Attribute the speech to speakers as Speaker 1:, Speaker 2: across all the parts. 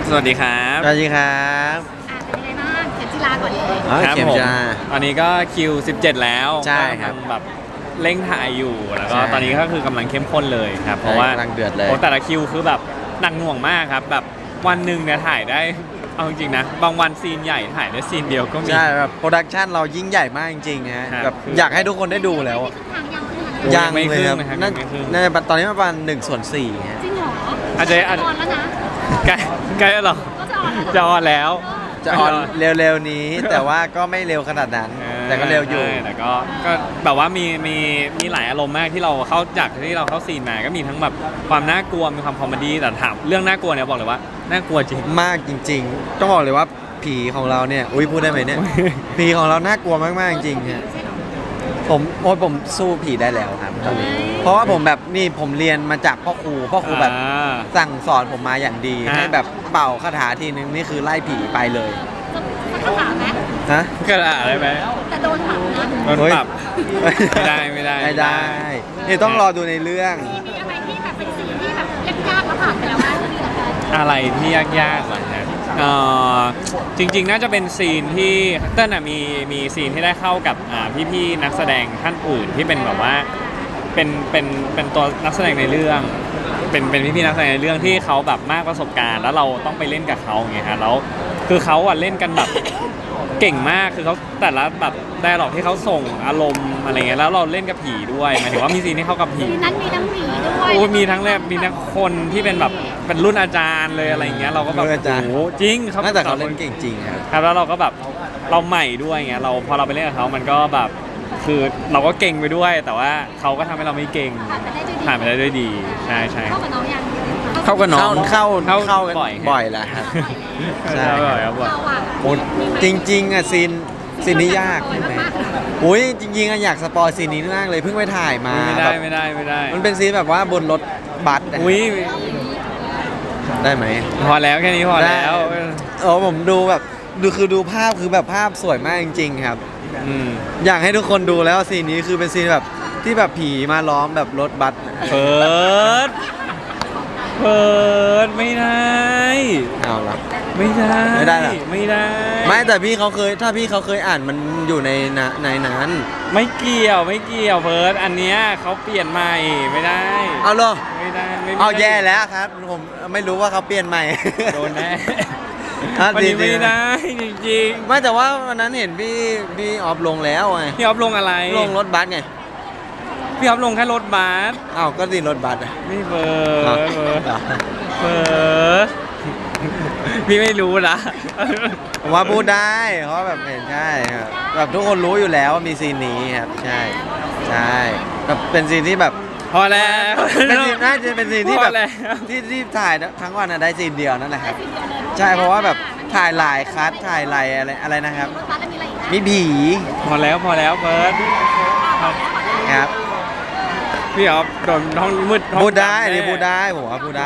Speaker 1: สวัสดีครับ
Speaker 2: สวัสดีครับ
Speaker 3: เป็นยังไงบ้างเข็มจีราก่อนเลย
Speaker 1: ครับผมตอนนี้ก็คิว17แล้ว
Speaker 2: ใช่ครับ
Speaker 1: แบบเร่งถ่ายอยู่แล้วก็
Speaker 2: ใช่
Speaker 1: ตอนนี้ก็คือกำลังเข้มข้นเลยครับเพราะว่าก
Speaker 2: ำลังเดือดเลย
Speaker 1: แต่ละคิวคือแบบหนักหน่วงมากครับแบบวันหนึ่งเนี่ยถ่ายได้เอาจริงๆนะบางวันซีนใหญ่ถ่ายได้ซีนเดียวก็มี
Speaker 2: ใช่แบบโปรดักชันเรายิ่งใหญ่มากจริงๆฮะ
Speaker 1: ครับ
Speaker 2: แบบอยากให้ทุกคนได้ดูแล้ว
Speaker 3: นี่คือทางยังคือทาง
Speaker 1: โอ้ย
Speaker 2: ยัง
Speaker 1: ไม่
Speaker 2: เลยครับ
Speaker 1: ครึ่งนะครับ
Speaker 2: น่า
Speaker 1: ไม่ครึ่ง
Speaker 2: น่าจะตอนนี้ประมาณ1/4ฮะ
Speaker 3: จริงเหรอ
Speaker 1: อาจจะ
Speaker 3: ออนแล้วนะ
Speaker 1: ใกล้แล้วเหรอ
Speaker 3: ก็จะออนแล้ว
Speaker 1: จะออนแล้ว
Speaker 2: จะออนเร็วๆนี้ แต่ว่าก็ไม่เร็วขนาดนั้น แต่ก็เร็วอยู่
Speaker 1: ใช่แต่ก็แบบว่ามีหลายอารมณ์มากที่เราเข้าจากที่เราเข้าซีนมาก็มีทั้งแบบความน่ากลัวมีความคอมเมดี้แต่ถามเรื่องน่ากลัวเนี่ยบอกเลยว่าน่ากลัวจริง
Speaker 2: มากจริงๆต้องบอกเลยว่าผีของเราเนี่ยอุ้ยพูดได้ไหมเนี่ย ผีของเราน่ากลัวมากๆจริงๆฮะผมสู้ผีได้แล้วครับตอนนี้เพราะว่าผมแบบนี่ผมเรียนมาจากพ่อครูแบบ สั่งสอนผมมาอย่างดี
Speaker 1: ฮะ
Speaker 2: ให้แบบเป่าคาถาทีนึงนี่คือไล่ผีไปเลย
Speaker 3: จะคำถามไหม
Speaker 2: ฮะ
Speaker 1: กระดาษได้ไหม
Speaker 3: แต่โดนปรับนะ
Speaker 1: โดนปรับ ไม่ได้
Speaker 2: ไม่ได้นี่ต้องรอดูในเรื่อง
Speaker 3: มีอะไรที่แบบเป็นสีที่แบบยากๆแล้วผ่านไปแล้วบ้างก็ดีเหลือเกิน
Speaker 1: อะไรที่ยากๆเหรอฮะจริงๆน่าจะเป็นซีนที่เต้นอ่ะมีซีนที่ได้เข้ากับพี่ๆนักแสดงท่านอื่นที่เป็นแบบว่าเป็นตัวนักแสดงในเรื่องเป็นพี่ๆนักแสดงในเรื่องที่เขาแบบมากประสบการณ์แล้วเราต้องไปเล่นกับเขาไงฮะแล้วคือเขาอ่ะเล่นกันแบบเก่งมากคือเขาแต่ละแบบไดอะล็อกที่เขาส่งอารมณ์อะไรเงี้ยแล้วเราเล่นกับผีด้วยหมายถึงว่ามีซีนที่เข้ากับผี
Speaker 3: ทีนั้นมีทั้งผีด้วย
Speaker 1: โอ้มีทั้งคนที่เป็นแบบเป็นรุ่นอาจารย์เลยอะไรอย่างเงี้ยเราก็แบบ
Speaker 2: รุ่นอาจารย์
Speaker 1: โอ้โหจริงเขา
Speaker 2: น่าแต่เขาเล่นเก่งจริงครับ
Speaker 1: ครับแล้วเราก็แบบเราใหม่ด้วยไงเราพอเราไปเล่นกับเขามันก็แบบคือเราก็เก่งไปด้วย แต่ว่าเขาก็ทำให้เราไม่เก่ง
Speaker 3: ผ่านไปได้ด้วยดี
Speaker 1: ผ่านไปได้ด้วยดีใช่
Speaker 3: เข้ากับน้องยัง
Speaker 1: เข้ากับน้อง
Speaker 2: เข้า
Speaker 1: เข้า
Speaker 2: กัน
Speaker 1: บ่อย
Speaker 2: บ่อยแล้วครับ ใช่
Speaker 1: ใช่บ่อยครับบ่อย
Speaker 3: เราอะ
Speaker 2: โอ้จริงๆอ่ะซีนนี้ยากใช่ไหมอุ้ยจริงๆอ่ะอยากสปอยซีนนี้มากเลยเพิ่งไปถ่ายมา
Speaker 1: ไม่
Speaker 2: แบ
Speaker 1: ได้
Speaker 2: บ
Speaker 1: ไม่ได้ไม่ได้
Speaker 2: มันเป็นซีนแบบว่าบนรถบัสอะ
Speaker 1: อุ้ย
Speaker 2: ได้ไหม
Speaker 1: พอแล้วแค่นี้พอแล้ว
Speaker 2: ผมดูแบบดูภาพคือแบบภาพสวยมากจริง ๆ ครับ
Speaker 1: อืม
Speaker 2: อยากให้ทุกคนดูแล้วซีนนี้คือเป็นซีนแบบที่แบบผีมาล้อมแบบรถบัส
Speaker 1: เปิดไม่ได้
Speaker 2: เอาละ
Speaker 1: ไม่ได้
Speaker 2: ไม่ได้เหรอ
Speaker 1: ไม่ได้
Speaker 2: ไม่แต่ถ้าพี่เขาเคยอ่านมันอยู่ในนั้น
Speaker 1: ไม่เกี่ยวเพิร์ดอันเนี้ยเขาเปลี่ยนใหม่ไม่ได้
Speaker 2: เอาเหรอ
Speaker 1: ไม่ได้ไม่
Speaker 2: เอา
Speaker 1: ได้
Speaker 2: แย่แล้วครับผมไม่รู้ว่าเขาเปลี่ยนใหม่
Speaker 1: โดนแน่
Speaker 2: อ่ะ
Speaker 1: วันนี้
Speaker 2: ดีๆ
Speaker 1: ไม่ได้จริง
Speaker 2: ไม่แต่ว่าวันนั้นเห็นพี่ออฟลงแล้วไง
Speaker 1: ๆพี่ออฟลงอะไร
Speaker 2: ลงรถบัสไง
Speaker 1: พี่ออฟลงแค่รถบัส
Speaker 2: อ้าวก็สิรถบัสอะ
Speaker 1: ไม่เปิ
Speaker 2: อ้าว
Speaker 1: ดเปิดพี่ไม่รู้นะ
Speaker 2: ผมว่าพูดได้เพราะแบบเห็นใช่ครับแบบทุกคนรู้อยู่แล้วว่ามีซีนนี้ครับใช่แบบเป็นซีนที่แบบ
Speaker 1: พอแล้ว
Speaker 2: เป็นซีนน่าจะเป็นซีนที่แบบ
Speaker 1: พอแล้ว
Speaker 2: ที่ถ่ายทั้งวันอะได้ซีนเดียวนั่นแหละครับใช่เพราะว่าแบบถ่ายหลายคัทถ่ายหลายอะไรนะครับ
Speaker 3: รถบัสแล้วมีอะไรอีกนะ
Speaker 2: มีผี
Speaker 1: พอแล้วเพิร์ด
Speaker 2: ครับ
Speaker 1: พี่ออฟโดนห้องมืดห้อง
Speaker 2: พูดได้
Speaker 1: ำแน่
Speaker 2: นี่พูดได้ผมว่าพูดได้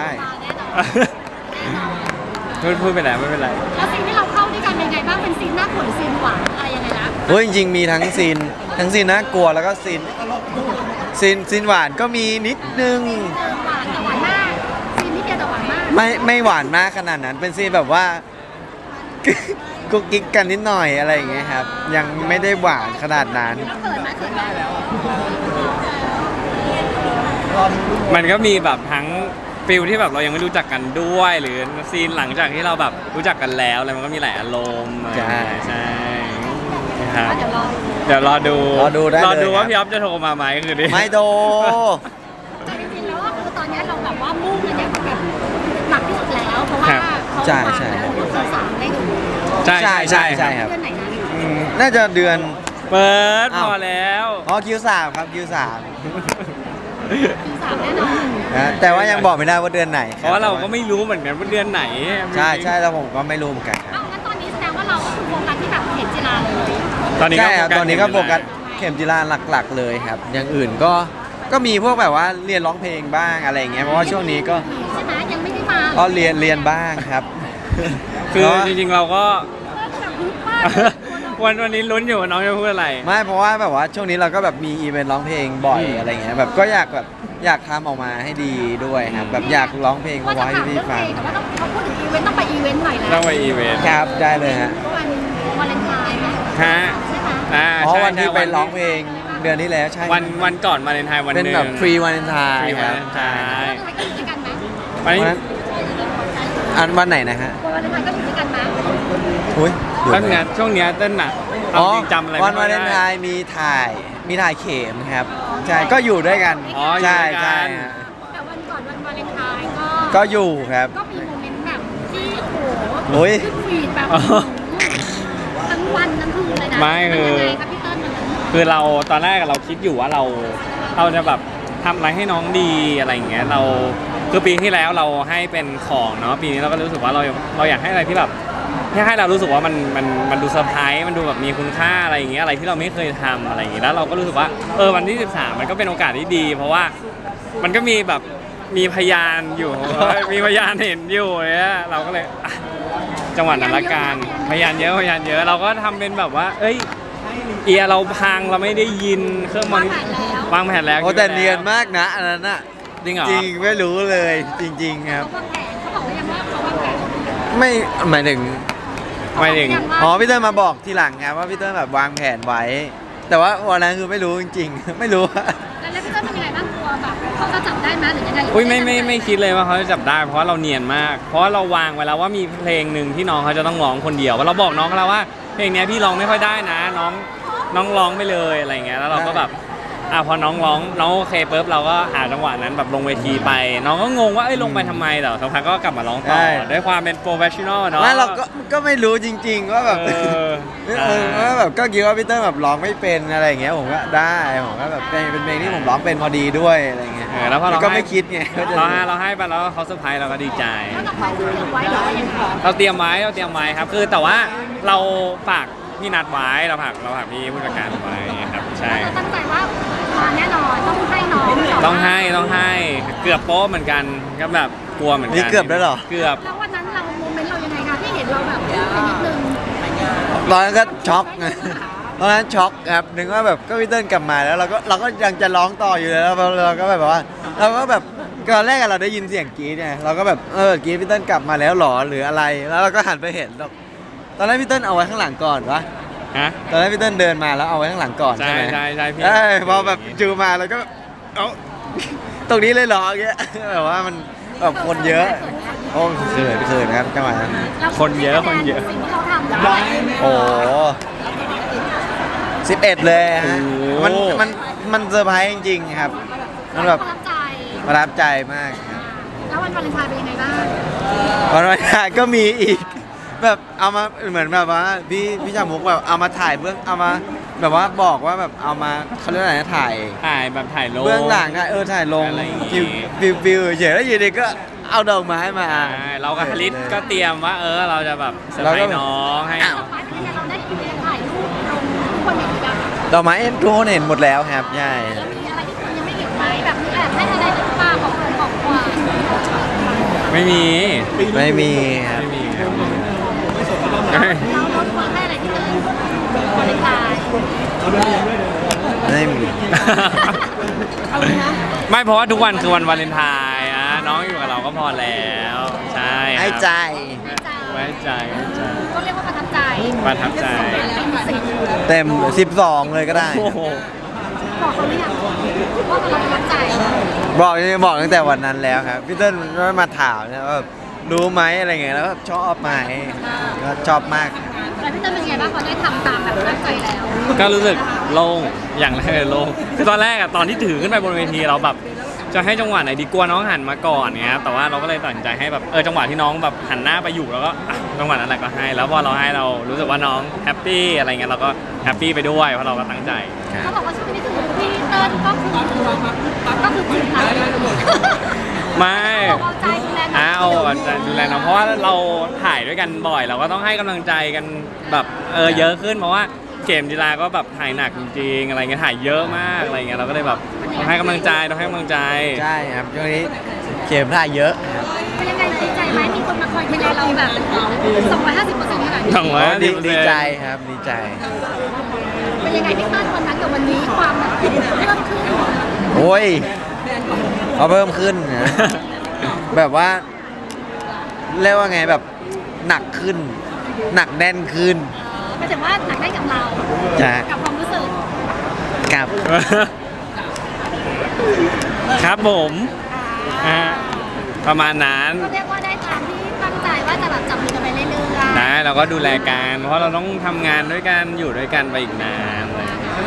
Speaker 1: พูดไปแล้วไม่เป็นไร
Speaker 3: แล้วซีนที่เราเข้าด้วยกันเป็นไงบ้างเป็นซีนน่ากลัวหรือซีนหวานอะไรยังไงนะ
Speaker 2: เฮ้ยจริงๆมีทั้งซีนน่ากลัวแล้วก็ซีนหวานก็มีนิดนึง
Speaker 3: หวานแต่หวานมากซีนที่เดียวแต่หวานมาก
Speaker 2: ไม่หวานมากขนาดนั้นเป็นซีนแบบว่า กุ๊กกิ๊กกันนิดหน่อยอะไรอย่างเงี้ยครับ ยังไม่ได้หวานขนาดนั้น
Speaker 3: แล้วเขินไหมเขินไหม
Speaker 1: มันก็มีแบบทั้งฟิลที่แบบเรายังไม่รู้จักกันด้วย หรือซีนหลังจากที่เราแบบรู้จักกันแล้วอะไรมันก็มีหลายอารมณ์
Speaker 2: ใช่
Speaker 1: ใช่ครับ
Speaker 3: เดี๋ยวรอ
Speaker 1: เดี๋ยวรอดู
Speaker 2: ได้เลย
Speaker 1: รอดูว่า
Speaker 2: ครับ
Speaker 1: พี่อ๊อฟจะโทรมาไหมคือดิ
Speaker 2: ไม่โด
Speaker 3: แต่จริงๆแล้วก็คือตอนนี้เราแบบว่ามุ่งกันอย่างแบบหนักที่สุดแล้วเพราะว่าเขา
Speaker 2: ใช่
Speaker 3: วาง
Speaker 2: ใช่
Speaker 3: แล้วเดือน3ได้ดู
Speaker 1: ใช่
Speaker 2: ใช่ครับ
Speaker 3: เดือนไหนนะ
Speaker 2: น่าจะเดือน
Speaker 1: เปิด
Speaker 2: อ้าว
Speaker 1: พอแล้ว
Speaker 2: Q3 ครับ Q3
Speaker 3: คือ3แน่นอน
Speaker 2: นะแต่ว่ายังบอกไม่ได้ว่าเดือนไหนค
Speaker 1: เพราะว่าเราก็ไม่รู้เหมือนกันว่าเดือนไหน
Speaker 2: ใช่แล้วผมก็ไม่รู้เหมือนกันครับ
Speaker 3: เอ้างั้นตอนนี้แสดงว่าเราก็คือโฟกัสที่แบบเห็นจีราเลย
Speaker 1: ตอนนี้
Speaker 2: ใช่
Speaker 1: ก็
Speaker 2: ครับตอนนี้ก็โฟกัสเข็มจีราหลักๆเลยครับ อย่างอื่นก็มีพวกแบบว่าเรียนร้องเพลงบ้างอะไรอย่างเงี้ยเพราะว่าช่วงนี้ก็
Speaker 3: ใช่ไหมยังไม่ได้มา
Speaker 2: ก็เรียนบ้างครับ
Speaker 1: คือจริงๆเราก็
Speaker 3: แบบฮึบมาก
Speaker 1: วันนี้ลุ้นอยู่ว่าน้องจะพูดอะไร
Speaker 2: ไม่เพราะว่าแบบว่าช่วงนี้เราก็แบบมีอีเวนต์ร้องเพลงบ่อยอะไรเงี้ยแบบก็อยากแบบอยากทำออกมาให้ดีด้วยครับแบบอยากร้องเพลง
Speaker 3: ว่า
Speaker 2: มา
Speaker 3: จะ
Speaker 2: ไว้ให้
Speaker 3: ถาม
Speaker 2: พี่
Speaker 3: เรื่องเพ
Speaker 2: ฟั
Speaker 3: ล
Speaker 2: ง
Speaker 3: งแต่ว่าต้องเขาพูดถึงอีเวนต์ต้องไปอีเวนต์หน่อยแล้ว
Speaker 1: ต้องไปอีเวนต์
Speaker 2: ครับได้เลยฮะ
Speaker 3: วันวาเลนไทน์ไหม
Speaker 1: ฮะ
Speaker 3: ใช่ไหม
Speaker 2: เพราะ
Speaker 1: ใช่
Speaker 2: วันที่
Speaker 1: ใช่
Speaker 2: ไปร้องเพลงเดือนที่แล้วใช่
Speaker 1: วันก่อนวาเลนไทน์วันห
Speaker 2: เป็น
Speaker 1: นึ่ง
Speaker 2: แบบฟรีวาเลนไทน์
Speaker 1: ฟรี
Speaker 2: คว
Speaker 1: า
Speaker 2: รับ
Speaker 1: เลนไทน์
Speaker 3: วาเลนไทน์ก็อยู่ด้วยกันไหม
Speaker 1: วันนี้
Speaker 2: วันนั้นอันวันไหนนะฮะ
Speaker 3: วาเลนไทน์ก็อยู่ด้วยกันไหม
Speaker 2: อุ้ยเดี๋ยว
Speaker 1: ตั้งแต่
Speaker 2: นะ
Speaker 1: ช่วงเนี้ยเต้นอ่ะ
Speaker 2: อ๋อ
Speaker 1: จริงจำอะไร
Speaker 2: วัน
Speaker 1: ไม่
Speaker 2: วาเล
Speaker 1: ได้
Speaker 2: นไทน์มีถ่ายเข็มครับใช่ก็อยู่ด้วยกัน
Speaker 1: อ๋ออยู่
Speaker 2: ใช่
Speaker 1: ด้วยกัน
Speaker 2: ใช่ฮะ
Speaker 3: แต่วันก่อนวันวาเลนไทน์ก็
Speaker 2: ก็อยู่ครับ
Speaker 3: ก็มีโมเมนต์แบบที่โอ้โห
Speaker 2: โอ้ย
Speaker 3: ขึ้นฟีดแบบทั้งวันทั้งคืนเลยนะ
Speaker 1: ไม่คือ
Speaker 3: นยังไงครับพี่เติ้ลมันนั้น
Speaker 1: คือเราตอนแรกเราคิดอยู่ว่าเราจะแบบทำอะไรให้น้องดีอะไรอย่างเงี้ยเราคือปีที่แล้วเราให้เป็นของเนาะปีนี้เราก็รู้สึกว่าเราอยากให้อะไรที่แบบให้เรารู้สึกว่ามันดูเซอร์ไพรส์มันดูแบบมีคุณค่าอะไรอย่างเงี้ยอะไรที่เราไม่เคยทำอะไรอย่างเงี้ยแล้วเราก็รู้สึกว่าวันที่ 13มันก็เป็นโอกาสที่ดี เพราะว่ามันก็มีแบบมีพยานอยู่ มีพยานเห็นอยู่เนี่ยเราก็เลยอ่ะจังหวะนั้นละกันพยานเยอะเราก็ทำเป็นแบบว่า เอ้ยเอียเราพังเราไม่ได้ยินเครื่องมันวางแผนแล้ว
Speaker 2: โอ้แต่เนียนมากนะอันนั้นอะ
Speaker 1: จริงเหรอ
Speaker 2: จริงไม่รู้เลยจริง ๆ ครับ
Speaker 3: เขาวางแผนเขาบอกว่ายังว่าเขาวางแผน
Speaker 2: ไม่หมายถึง
Speaker 1: ไม่ถึง
Speaker 2: อ๋อพี่เติ้ลมาบอกทีหลังครับว่าพี่เติ้ลแบบวางแผนไว้ แต่ว่าวันนั้นคือไม่รู้จริงๆ ไม่รู้ว่า
Speaker 3: แล้วพี่เติ้ลเป็นยังไงบ้างกลัวแบบเขาจะจับได้ไหมหรือยังไง
Speaker 1: อุ้ยไม่คิดเลยว่าเขาจะจับได้เพราะว่าเราเนียนมาก เพราะว่าเราวางไว้แล้วว่ามีเพลงหนึ่งที่น้องเขาจะต้องร้องคนเดียวว่าเราบอกน้องเขาแล้วว่าเพลงเนี้ยพี่ร้องไม่ค่อยได้นะ น้องร้องไปเลยอะไรเงี้ยแล้วเราก็แบบพอน้องร้องน้องโอเคปุ๊บเราก็หาจังหวะนั้นแบบลงเวทีไป น้องก็งงว่าลงไปทำไมแต่สักพักก็กลับมาร้องต่อด้วยความเป็นโปรเฟชชั่นอลเนาะ
Speaker 2: ไม่เราก็ไม่รู้จริง ๆ ว่าแบบ ว่าแบบก็คิดว่าพี่เติ้ลแบบร้องไม่เป็นอะไรอย่างเงี้ยผมก็ได้ผมก็แบบเป็นเพลงที่ผมร้องเป็นพอดีด้วยอะไรเงี้ย
Speaker 1: แล้วพอเรา
Speaker 2: ก็ไม่คิดไงว่าจะ
Speaker 1: เราให้ไปแล้วเขาเซอร์ไพรส์เราก็ดีใจ
Speaker 3: แล้วต่อไปคือเตรียมไว้หรือว่ายังไง
Speaker 1: เราเตรียมไว้ครับคือแต่ว่าเราฝากพี่นัดไว้เราฝากพี่ผู้จัดการไว้ครับใช่
Speaker 3: เราตั้งใจว่ามาแน่นอนต้องให้น้อง
Speaker 1: ต้องให้เกือบโป๊ะเหมือนกันก็แบบกลัวเหมือนกัน
Speaker 2: นี่เกือบได้เหรอ
Speaker 1: เกือบ
Speaker 3: แล้ววันนั้นเราโมเมนต์เรายังไงคะที่เห็นเราแบบไปนิดนึง
Speaker 2: ตอนนั้นก็ช็อกไงตอนนั้นช็อกครับนึกว่าแบบก็พี่เติ้ลกลับมาแล้วเราก็ยังจะร้องต่ออยู่เลยแล้วเราก็แบบว่าเราก็แบบตอนแรกเราได้ยินเสียงกรี๊ดไงเราก็แบบกรี๊ดพี่เติ้ลกลับมาแล้วหรอหรืออะไรแล้วเราก็หันไปเห็นตอนแรกพี่เติ้ลเอาไว้ข้างหลังก่อนวะ
Speaker 1: ฮะ
Speaker 2: ตอนแรกพี่เติ้ลเดินมาแล้วเอาไว้ข้างหลังก่อน
Speaker 1: ใช่
Speaker 2: ใช่ไหม
Speaker 1: ใช่พี่
Speaker 2: พอแบบจูมาแล้วก็เอ้าตรงนี้เลยเหรออย่างเงี้ยแบบว่ามันแบบคนเยอะโอ้เขินครับจังหวะนั้น
Speaker 1: คนเยอะ
Speaker 3: สิ่งที่เราทำได้
Speaker 2: โอ้11 เลยฮะมันเซอร์ไพรส์จริงๆครับมันแบบ
Speaker 3: ประทับใจ
Speaker 2: ประทับใจมากครับ
Speaker 3: แล้ววันวาเลนไทน์เป็นยังไงบ้าง
Speaker 2: วันวันนี้ก็มีอีกแบบเอามาเหมือนแบบว่าพี่ชามุกแบบเอามาถ่ายเบื้องเอามาแบบว่าบอกว่าแบบเอามาเขาเรียกอะไรนะถ่าย
Speaker 1: ถ่ายลง
Speaker 2: เบื้องหลังอะถ่ายลง
Speaker 1: อะไรอย่างงี้
Speaker 2: ฟิวเฉยแล้วอยู่ดีก็เอาดอกไม้มา
Speaker 1: ใช่เรากับฮาริสก็เตรียมว่าเราจะแบบเซอร์ไพรส์น้องให้
Speaker 3: ดอกไม้เป็นยังไงเราได้ถ่ายรูปลงทุกคนเห็นยัง
Speaker 2: ดอกไม้ทุกคนเห็นหมดแล้วครับใช่
Speaker 3: แล้วมีอะไรที่คุณยังไม่เห็นไหมแบบมีแอบให้อะไรหรือเปล่าของขวัญ
Speaker 1: ไม่มี
Speaker 2: ไม่มีครับ
Speaker 1: ไม่มีครับ
Speaker 3: เราลดความให้อะไรที่เติ้ลวาเลนไทน์
Speaker 2: ไม่มี
Speaker 3: เอาเลยนะ
Speaker 1: ไม่เพราะว่าทุกวันคือวันวาเลนไทน์น้องอยู่กับเราก็พอแล้วใช่ครับ
Speaker 2: ให้ใจ
Speaker 1: ไว้ใจ
Speaker 3: ก็เรียกว่าประทับใจ
Speaker 1: ประทับใจ
Speaker 3: เต็มสิบ
Speaker 2: เต็ม12 เลยก็ได้
Speaker 1: โอ้โห
Speaker 3: บอกเขาหรือยังว่าเราประทับใจ
Speaker 2: บอกตั้งแต่วันนั้นแล้วครับพี่เติ้ลมาถามเนี่ยว่าแบบรู้ไหมอะไรเงี้ยแล้วก็ชอบไหมก็ชอบมาก
Speaker 3: แล้วพี่เติ้ลเป็นไงบ้างพอได้ทำตามแบบตั้งใจแล้ว
Speaker 1: ก็รู้สึกโล่งอย่างแรกเลยโล่งคือตอนแรกตอนที่ถือขึ้นไปบนเวทีเราแบบจะให้จังหวะไหนดีกลัวน้องหันมาก่อนเงี้ยแต่ว่าเราก็เลยตัดสินใจให้แบบจังหวะที่น้องแบบหันหน้าไปอยู่แล้วก็จังหวะนั้นแหละก็ให้ แล้วพอเราให้เรารู้สึกว่าน้องแฮปปี้อะไรเงี้ยเราก็แฮปปี้ไปด้วยเพราะเราก็ตั้งใจ
Speaker 3: เขาบอกว่าช่วงนี้คือพี่เติ้ลก็คือผืนผัก
Speaker 1: ไม่
Speaker 3: เอาใจดูแล
Speaker 1: ดูแลน้องเพราะว่าเราถ่ายด้วยกันบ่อย เราก็ต้องให้กำลังใจกันแบบเยอะขึ้นเพราะว่าเกมกีฬาก็แบบถ่ายหนักจริงๆอะไรเงี้ยถ่ายเยอะมากอะไรเงี้ยเราก็เลยแบบต้องให้กำลังใจ
Speaker 2: ใช่ครับช่วงนี้เข็มถ่ายเยอะครับ
Speaker 3: เป็นยังไงดีใจไหมมีคนมาคอยดูแลเราแบบ250%ขนาดนี้
Speaker 1: สองร้อย
Speaker 2: ดีใจครับดีใจ
Speaker 3: เป็นยังไงพี่ตั้นวันนั้นกับวันนี้ความแบบเพิ่มขึ้น
Speaker 2: โอ้ยเขาเพิ่มขึ้นนะ แบบว่าเรียกว่าไงแบบหนักขึ้น หนักแน่นขึ้น
Speaker 3: หมายถึงว่าหนักได้กับเรา
Speaker 2: จ้ะ
Speaker 3: กับความรู้สึก
Speaker 2: กับ
Speaker 1: ครับผมประมาณนั้น
Speaker 3: ก็เรียกว่าได้ตามที่ตั้งใจว่าจะแบบจับมือกันไปเรื่อยๆ
Speaker 1: นะเราก็ดูแลกันเพราะเราต้องทำงานด้วยกันอยู่ด้วยกันไปอีกนานอะไรอย่างเงี้ย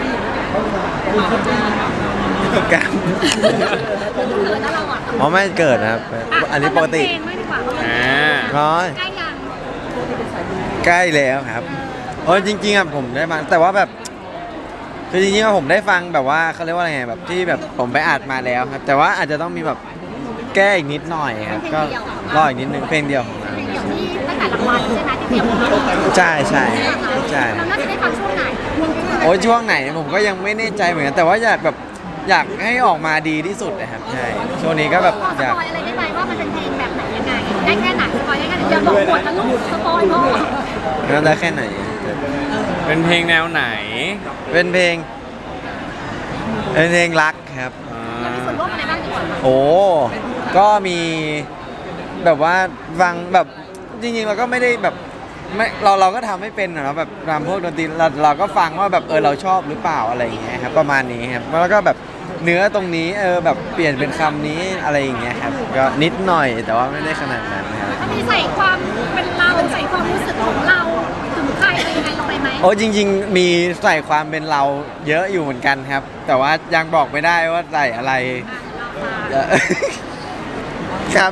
Speaker 2: กับ
Speaker 3: แล้วเราอ่ะ
Speaker 2: อ๋อไม่เกิดนะครับ อันนี้ปกติ
Speaker 3: เพลงไม่ดีกว่า
Speaker 1: อ่า
Speaker 2: น้อย
Speaker 3: ใกล้ยัง
Speaker 2: ใกล้แล้วครับโอ้ยจริงๆอ่ะผมได้ฟังแต่ว่าแบบคือจริงๆอะผมได้ฟังแบบว่าเขาเรียกว่าอะไรไงแบบที่แบบผมไปอัดมาแล้วครับ แต่ว่าอาจจะต้องมีแบบแก้อีกนิดหน่อยครับก็รออีกนิดนึงเพลงเดียวของเรา
Speaker 3: เพลงเดี่ยวที่ตั้งแต่รางวัลใช่ไหมที่เตรียมมา
Speaker 2: ใช่ใช่ใช่
Speaker 3: เราน่าจะได้ฟังช่วงไหน
Speaker 2: โอ้ยช่วงไหนผมก็ยังไม่แน่ใจเหมือนกันแต่ว่าอยากแบบอยากให้ออกมาดีที่สุดนะครับใช่ช่วงนี้ก็แบบ
Speaker 3: พอส
Speaker 2: อยาก
Speaker 3: ปอยอะไรได้ไหมว่ามันเป็นเพลงแบบไหนยังไงได้แค่ไหนสปอยได้แค่ไหนอย่าบอกหมดนะลูกสปอยพ่อ
Speaker 2: แล้วได้แค่ไหน
Speaker 1: เป็นเพลงแนวไหน
Speaker 2: เป็นเพลงรักครับ
Speaker 3: เรามีส่วนร่วมอะไรบ้างดีกว่า
Speaker 2: โอ้ ก็มีแบบว่าฟังแบบจริงๆเราก็ไม่ได้แบบไม่เราก็ทำไม่เป็นนะแบบทำพวกดนตรีเราก็ฟังว่าแบบเราชอบหรือเปล่าอะไรอย่างเงี้ยครับประมาณนี้ครับแล้วก็แบบเนื้อตรงนี้แบบเปลี่ยนเป็นคำนี้อะไรอย่างเงี้ยครับก็นิดหน่อยแต่ว่าไม่ได้ขนาดนั้นครับ
Speaker 3: ถ้ามีใส่ความเป็นเราใส่ความรู้สึกของเราถึงใครอะไรยังไงลงไปไหม
Speaker 2: โอ้จริง ๆ มีใส่ความเป็นเราเยอะอยู่เหมือนกันครับ แต่ว่ายังบอกไม่ได้ว่าใส่อะไรเอ่อ ครับ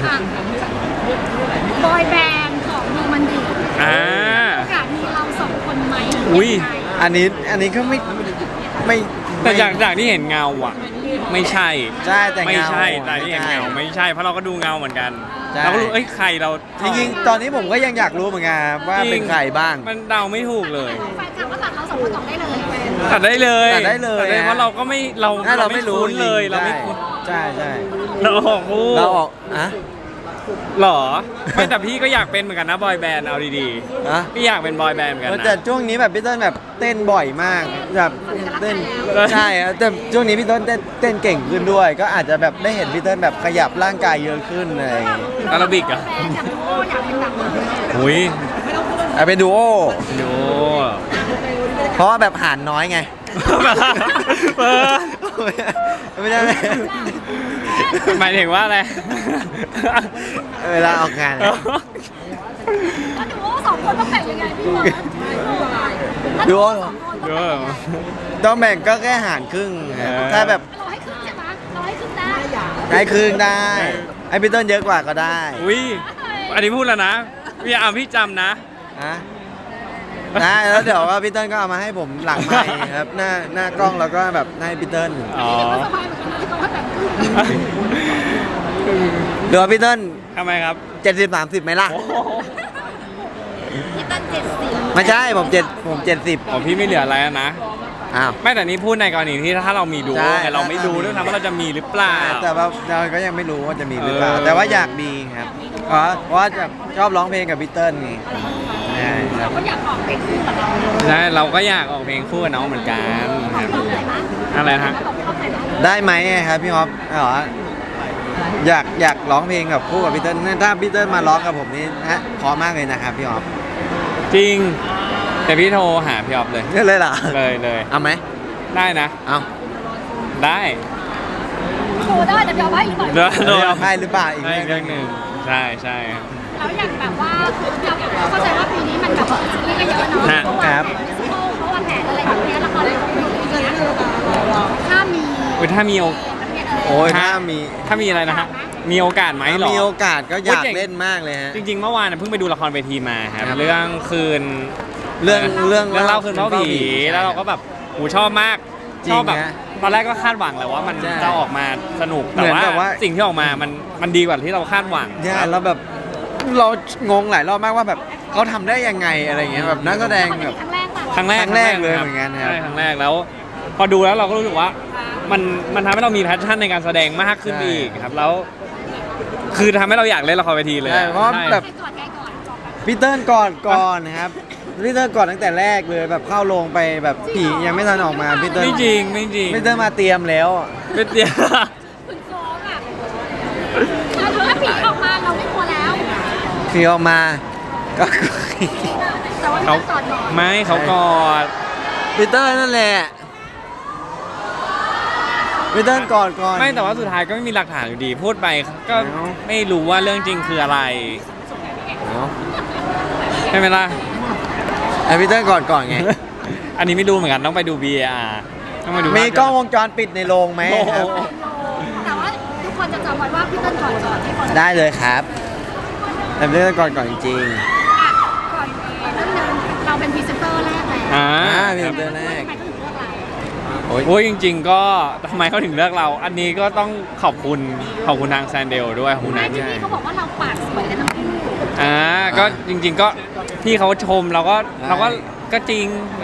Speaker 3: บอยแบนด์ของโนมันดี
Speaker 1: อ่า
Speaker 3: โอกาสมีเราสองคนไหม
Speaker 1: อุ๊ย
Speaker 2: อันนี้ก็ไม่
Speaker 1: แต่จากที่เห็นเงาอ่ะ ไม่ใช่
Speaker 2: ใช่แต่
Speaker 1: ไม่
Speaker 2: เงา
Speaker 1: ใช่แต่ที่เห็นเงาไม่ใช่เพราะเราก็ดูเงาเหมือนกัน
Speaker 2: ใช่
Speaker 1: เราก็รู้ใครเรา
Speaker 2: จริงๆ ตอนนี้ผมก็ยังอยากรู้เหมือนกันครับว่าเป็นใครบ้าง
Speaker 1: มันเดาไม่ถูกเลย
Speaker 3: แฟนคลับก็ตัดเราสองคนออกได้เลย
Speaker 1: ตัดได้เลย
Speaker 2: ตัดได้เลย
Speaker 1: เพราะเราก็ไม่เรา
Speaker 2: เราไม่รู้
Speaker 1: คุ้นเลยเราไม่คุ้น
Speaker 2: ใช่ใช่
Speaker 1: เราออกคู่
Speaker 2: เราออกอะ
Speaker 1: หรอไม่แต่พี่ก็อยากเป็นเหมือนกันนะบอยแบนด์เอาดี
Speaker 2: อะ
Speaker 1: ๆพี่อยากเป็นบอยแบนด์เหมือนกันนะ
Speaker 2: แต่ช่วงนี้แบบพี่เต้นแบบเต้นบ่อยมากแบบเต้นใช่ครับแต่ช่วงนี้พี่เต้นเต้นเก่งขึ้นด้วย ก็อาจจะแบบได้เห็นพี่เต้นแบบขยับร่างกายเยอะขึ้นอะไรอย่างเลย
Speaker 1: อาราบิกเหรอ่ะ
Speaker 3: แฟนอยากรู้อยากเป็นแบบไหน
Speaker 1: หุย
Speaker 2: เอาเป็นดูโอ
Speaker 1: ดู
Speaker 2: เพราะว่าแบบหารน้อยไง
Speaker 1: เออ
Speaker 2: ไม่ใช่
Speaker 1: หมายถึงว่าอะไร
Speaker 2: เวลาออกงาน
Speaker 3: ก็ดูว่าสองคนต้องแบ่งยังไงพี่บอล
Speaker 2: ดูโอ
Speaker 1: ดู
Speaker 2: ต้องแบ่งก็แค่หารครึ่งครับถ้าแบบ
Speaker 3: เราให้ครึ่งใช่ไหมเราให้ครึ่งได้
Speaker 2: ให้ครึ่งได้ให้พี่เต้นเยอะกว่าก็ได้
Speaker 1: อุ้ยอันนี้พูดแล้วนะพี่จำนะ
Speaker 2: นะได้แล้วเดี๋ยวว่าพี่เติ้ลก็เอามาให้ผมหลังไมค์ครับหน้ากล้องแล้วก็แบบให้พี่เติ้ล
Speaker 1: อ๋อ
Speaker 3: ก็สบายเหมือนกันนะที่เขาให้แบ่งครึ่ง
Speaker 2: เดี๋ยวพี่เติ้ล
Speaker 1: ทำไมครับ
Speaker 2: 70-30ไหมล่ะ
Speaker 1: โอ้โห
Speaker 3: พี่ตั้น70
Speaker 2: ไม่ใช่ผม70
Speaker 1: อ๋อพี่ไม่เหลืออะไรแล้วนะ
Speaker 2: อ้าว
Speaker 1: ไม่แต่นี้พูดในกรณีที่ถ้าเรามีดู
Speaker 2: ใช่
Speaker 1: ไงเราไม่รู้ด้วยซ้ำว่าเราจะมีหรือเปล่า
Speaker 2: แต่ว่าเราก็ยังไม่รู้ว่าจะมีหรือเปล่า
Speaker 1: เออ
Speaker 2: แต่ว่าอยากมีครับเพราะว่าจะชอบร้องเพลงกับพี่เติ้ลไงใช่ค
Speaker 3: เรา
Speaker 2: รับ
Speaker 3: ก็อยากออกเป็นคู่กับเรา
Speaker 1: ใช่เราก็อยากออกเพลงคู่กับน้องเหมือนกันครับ
Speaker 3: เราไหนบ้าง
Speaker 1: อะไรฮะ
Speaker 3: เราต้องไหนบ้าง
Speaker 2: ได้ไหมครับพี่ฮอปเหรออยากร้องเพลงกับคู่กับพี่เติ้ลถ้าพี่เติ้ลมาร้องกับผมนี่พอมากเลยนะครับพี่ฮอป
Speaker 1: จริง แต่พี่โทรหาพี่ออฟเลย
Speaker 2: นี่เลยเหรอ
Speaker 1: เลย
Speaker 2: เอาไหม
Speaker 1: ได้นะ
Speaker 2: เอา
Speaker 1: ได้
Speaker 3: โชว์ได้แต่เดี๋ยวไว้อีกหน่อย
Speaker 1: เดี๋ยว
Speaker 2: เดี๋ยวให้หรือเปล่าอีก
Speaker 1: ได้
Speaker 2: เรื่
Speaker 1: เรื่
Speaker 2: อ
Speaker 1: อง ง
Speaker 2: ห
Speaker 1: ห
Speaker 2: นึ่
Speaker 1: นึ่
Speaker 2: ง
Speaker 1: งใช่ใช่ครับ
Speaker 3: แล้วอย่างแบบว่าเราเข้าใจว่าปีนี้มันแบบซีรีส์ก็เยอะเนาะ
Speaker 1: ฮะ
Speaker 3: เขาวางแผนมิวสิคอลเขาวางแผนอะไรแบบเนี้ยละครเรื่องนี้อย่างเงี้ยถ้ามี
Speaker 1: อุ๊ยถ้ามีโอ
Speaker 2: โอ้ยถ้ามี
Speaker 1: อะไรนะฮะมีโอกาสไหมเหรอ
Speaker 2: มีโอกาสก็อยาก
Speaker 1: โอ้ยเก่ง
Speaker 2: เล่นมากเลยฮะ
Speaker 1: จริงๆเมื่อวานเพิ่งไปดูละครเวทีมาครับ
Speaker 2: ครับ
Speaker 1: เรื่องคืน
Speaker 2: เรื่อง
Speaker 1: เล่าคืนเล่าผี
Speaker 2: ใช่
Speaker 1: แล้วเราก็แบบหูชอบมาก
Speaker 2: จริง
Speaker 1: ชอบแบบ
Speaker 2: ฮะ
Speaker 1: ตอนแรกก็คาดหวังแหละว่ามัน
Speaker 2: ใช่
Speaker 1: จะออกมาสนุก
Speaker 2: เหมือนแบบว่า
Speaker 1: สิ่งที่ออกมามันดีกว่าที่เราคาดหวัง
Speaker 2: ใช่แล้วแบบเรางงหลายรอบมากว่าแบบเขาทำได้ยังไงอะไรเงี้ยแบบนักแสดงแบบ
Speaker 3: ครั้งแรกป่ะ
Speaker 1: ครั้งแรก
Speaker 2: ครั้งแรกเลยเหมือนกันครับ
Speaker 1: ใช่ครั้งแรกแล้ว พอดูแล้วเราก็รู้สึกว่ามันทำให้เรามีแพชชั่นในการแสดงมากขึ้น
Speaker 2: ใช่
Speaker 1: อีกครับแล้วคือทำให้เราอยากเล่นละครเวทีเลย
Speaker 2: ใช่เพราะแบบ
Speaker 3: ใครก่อนใครก่อนบอกแบบ
Speaker 2: พี่เติ้ลก่อนนะครับพี่เติ้ลก่อนตั้งแต่แรกเลยแบบเข้าโรงไปแบบผียังไม่ทันออกมาพี่เติ้ล
Speaker 1: ไม่จริงไม่จริง
Speaker 2: พี่เติ้ลมาเตรียมแล้ว
Speaker 1: ไม่เดียว
Speaker 3: คุณโฟมอ่ะถ้าผีออกมาเราไม่กลัวแล้ว
Speaker 2: ผีออกมาก็
Speaker 3: แต่ว่า
Speaker 1: เขา
Speaker 3: พี่ก่อนก่อน
Speaker 1: ไม่เขากอด
Speaker 2: พี่เติ้ลนั่นแหละพี่เติ้ลก่อน
Speaker 1: ไม่แต่ว่าสุดท้ายก็ไม่มีหลักฐานอยู่ดี พูดไปก็
Speaker 2: เอ้า
Speaker 1: ไม่รู้ว่าเรื่องจริงคืออะไร
Speaker 2: เนาะ
Speaker 1: ใช่ไหมล่ะ
Speaker 2: ไอพี่เติ้ลก่อนไง
Speaker 1: อันนี้ไม่รู้เหมือนกันต้องไปดู BAR ต้องไปดู
Speaker 2: มีกล้องวงจรปิดในโรงไหม
Speaker 1: โอ้
Speaker 2: ค
Speaker 1: โห
Speaker 2: รับ
Speaker 3: แต่ว่าทุกคนจะจำไว้ว่าพี่เติ้ลก่อนก่อนให้คน
Speaker 2: ได้เลยครับแต่พี่เติ้ลก่อนจริง
Speaker 3: อ่ะก่อนเรื่องนึงเราเป็นพรีเซนเตอร์แรกแล้ว
Speaker 1: อ่า
Speaker 2: พี่เติ้ลแรก
Speaker 3: ทำไมถึงเลือกเรา
Speaker 2: โอ้ย
Speaker 1: โอ้ยจริง ๆ ก็ทำไมเขาถึงเลือกเรา อันนี้ก็ต้องขอบคุณทางแซนเดลด้วยขอบคุณ
Speaker 3: แม่
Speaker 1: นะ
Speaker 3: ที่นี่เขาบอกว่าเราปากสวยกันทั้งคู่
Speaker 1: ก็จริง ๆ ก็พี่เขาชมเราก็จริง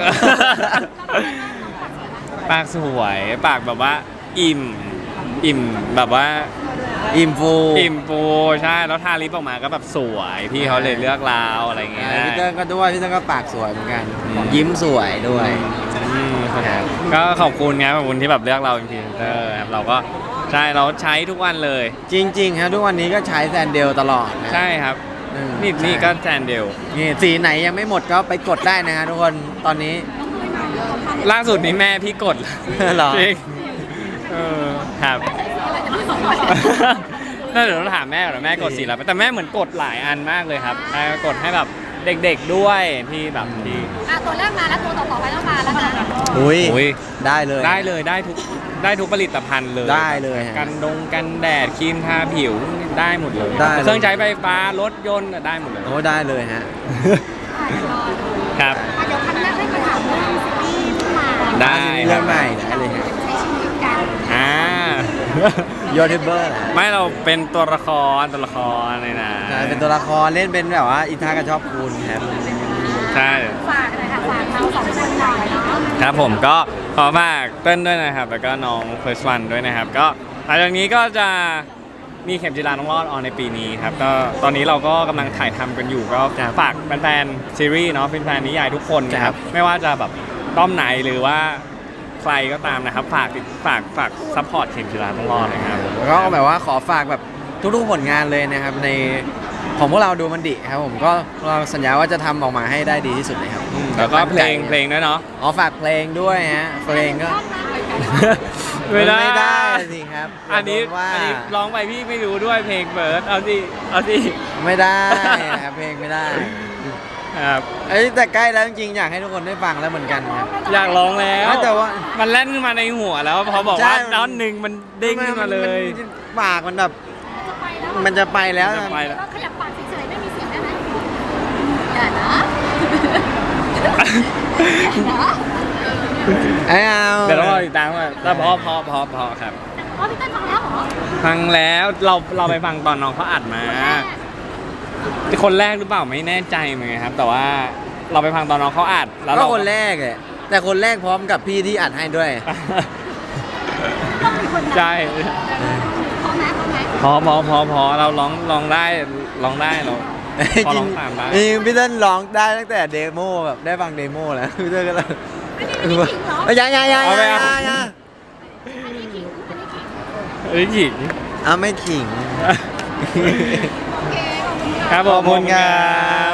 Speaker 1: ปากสวยปากแบบว่าอิ่มแบบว่า
Speaker 2: อิมฟู
Speaker 1: อิ่มฟูใช่แล้วทาลิปออกมาก็แบบสวยพี่เขาเลยเลือกเราอะไรเงี้ย
Speaker 2: พี่เติ้ลก็ด้วยพี่เติ้ลก็ปากสวยเหมือนกัน ยิ้มสวยด้วย
Speaker 1: อืมก็ขอบคุณครับขอบคุณที่แบบเลือกเราเป็นพรีเซนเตอร์ครับเราก็ใช่เราใช้ทุกวันเลย
Speaker 2: จริงๆครับทุกวันนี้ก็ใช้แซนเดลตลอดนะ
Speaker 1: ใช่ครับ
Speaker 2: อืม
Speaker 1: นี่ก็แซนเดล
Speaker 2: นี่สีไหนยังไม่หมดก็ไปกดได้นะฮะทุกคนตอนนี้
Speaker 1: ล่าสุดนี้แม่พี่กด
Speaker 2: เหรอ
Speaker 1: จริงครับน่าเดี๋ยวเราถามแม่ก่อนแม่กดสีแล้วแต่แม่เหมือนกดหลายอันมากเลยครับกดให้แบบเด็กๆด้วยที่แบบที่
Speaker 3: ตัวแรกมาแล้วตัวต่อไปต้องมาแล้วนะ
Speaker 2: อุ้ย
Speaker 1: อุ๊ย
Speaker 2: ได้เลย
Speaker 1: ได้ทุกผลิตภัณฑ์เลย
Speaker 2: ได้เลยฮะ
Speaker 1: กันแดดครีมทาผิวได้หมดเลย
Speaker 2: ได้เลย
Speaker 1: เครื่องใช้ไฟฟ้ารถยนต์ได้หมดเลย
Speaker 2: โอ้ได้เลยฮะ
Speaker 1: ครับ
Speaker 3: เดี๋ยวครั้งแรกให้มาถามเรื่องซีรีส์ที่มา
Speaker 1: ได้
Speaker 2: เรื่องใหม่ได้เลยฮะ
Speaker 3: ใช้ชีวิตกัน
Speaker 1: อ่า
Speaker 2: ยูทูบเบอร์นะ
Speaker 1: ไม่เราเป็นตัวละครเลยนะ
Speaker 2: ใช่เป็นตัวละครเล่นเป็นแบบว่าอินทากับชอบคุณครับ
Speaker 1: ใช่
Speaker 3: ฝากเลยค่ะฝากเราสองคนหน่อยเนาะ
Speaker 1: ครับผมก็ขอฝากเต้นด้วยนะครับ แล้วก็น้องเฟิร์สวันด้วยนะครับ ก็หลังจากนี้ก็จะมีเข็มจีราต้องรอดออนในปีนี้ครับก็ตอนนี้เราก็กำลังถ่ายทำกันอยู่ก็ฝากแฟนๆซีรีส์เนาะแฟนๆนิยายทุกคนนะครับ ไม่ว่าจะแบบต้อมไหนหรือว่าใครก็ตามนะครับ ฝากซัพพอร์ตเข็มจีราต้องรอดนะครับ
Speaker 2: แล้วก็แบบว่าขอฝากแบบทุกๆผลงานเลยนะครับในของพวกเราดูมันดิครับผมก็เราสัญญาว่าจะทำออกมาให้ได้ดีที่สุดเลยครับ
Speaker 1: แล้วก็เพลงด้วยเนาะ
Speaker 2: อ๋อฝากเพลงด้วยฮะเพลงก็
Speaker 1: ไม่ได้
Speaker 2: ไม่ได้สิครับ
Speaker 1: อันนี้
Speaker 2: โดว่า
Speaker 1: ร้องไปพี่ไม่รู้ด้วยเพลงเบิร์ดเอาสิ
Speaker 2: ไม่ได้ครับเพลงไม่ได้
Speaker 1: ครับ
Speaker 2: เอ้ยแต่ใกล้แล้วจริงๆอยากให้ทุกคนได้ฟังแล้วเหมือนกันครับ
Speaker 1: อยากร้องแล้ว
Speaker 2: แต่ว่า
Speaker 1: มันแล่นขึ้นมาในหัวแล้วพอบอก
Speaker 2: ใช่
Speaker 1: ว่าตอนหนึ่งมันเด้งขึ้นมาเลย
Speaker 2: ปากมันแบบมันจะไปแล้ว
Speaker 1: จะไปแล้ว
Speaker 3: เราขยับปากเฉยๆไม่มีเสียงได้ไหมอย่านะ
Speaker 2: ไม่เอา
Speaker 1: เดี๋ยวต้องรอติดตามว่าแต่พอครับ
Speaker 3: อ๋อพี่เต้นฟังแล้วเหรอ
Speaker 1: ฟังแล้วเราไปฟังตอนน้องเขาอัดมา คนแรกหรือเปล่าไม่แน่ใจเหมือนกันครับ แต่ว่าเราไปฟังตอนน้องเขาอัดแล้ว
Speaker 2: ก็
Speaker 1: เรา
Speaker 2: คนแรกเลยแต่คนแรกพร้อมกับพี่ที่อัดให้ด้วย
Speaker 3: ต้องมีคน
Speaker 1: ใช่
Speaker 3: พอไหม
Speaker 1: พอเราร้องได้เราพอร้องตามได้
Speaker 2: จริงพี่เต้นร้องได้ตั้งแต่เดโมแบบได้ฟังเดโมแล้วพี่เต้นก็เลย
Speaker 3: อันนี้ขิงเหรอ
Speaker 2: ยัง
Speaker 1: เอาไปเอา
Speaker 3: อันนี้ขิง
Speaker 1: เอ้ยหญิง
Speaker 2: เอาไม่ขิง
Speaker 3: โอเคขอบคุณค่ะ
Speaker 1: ครับผม
Speaker 2: ขอบคุณครับ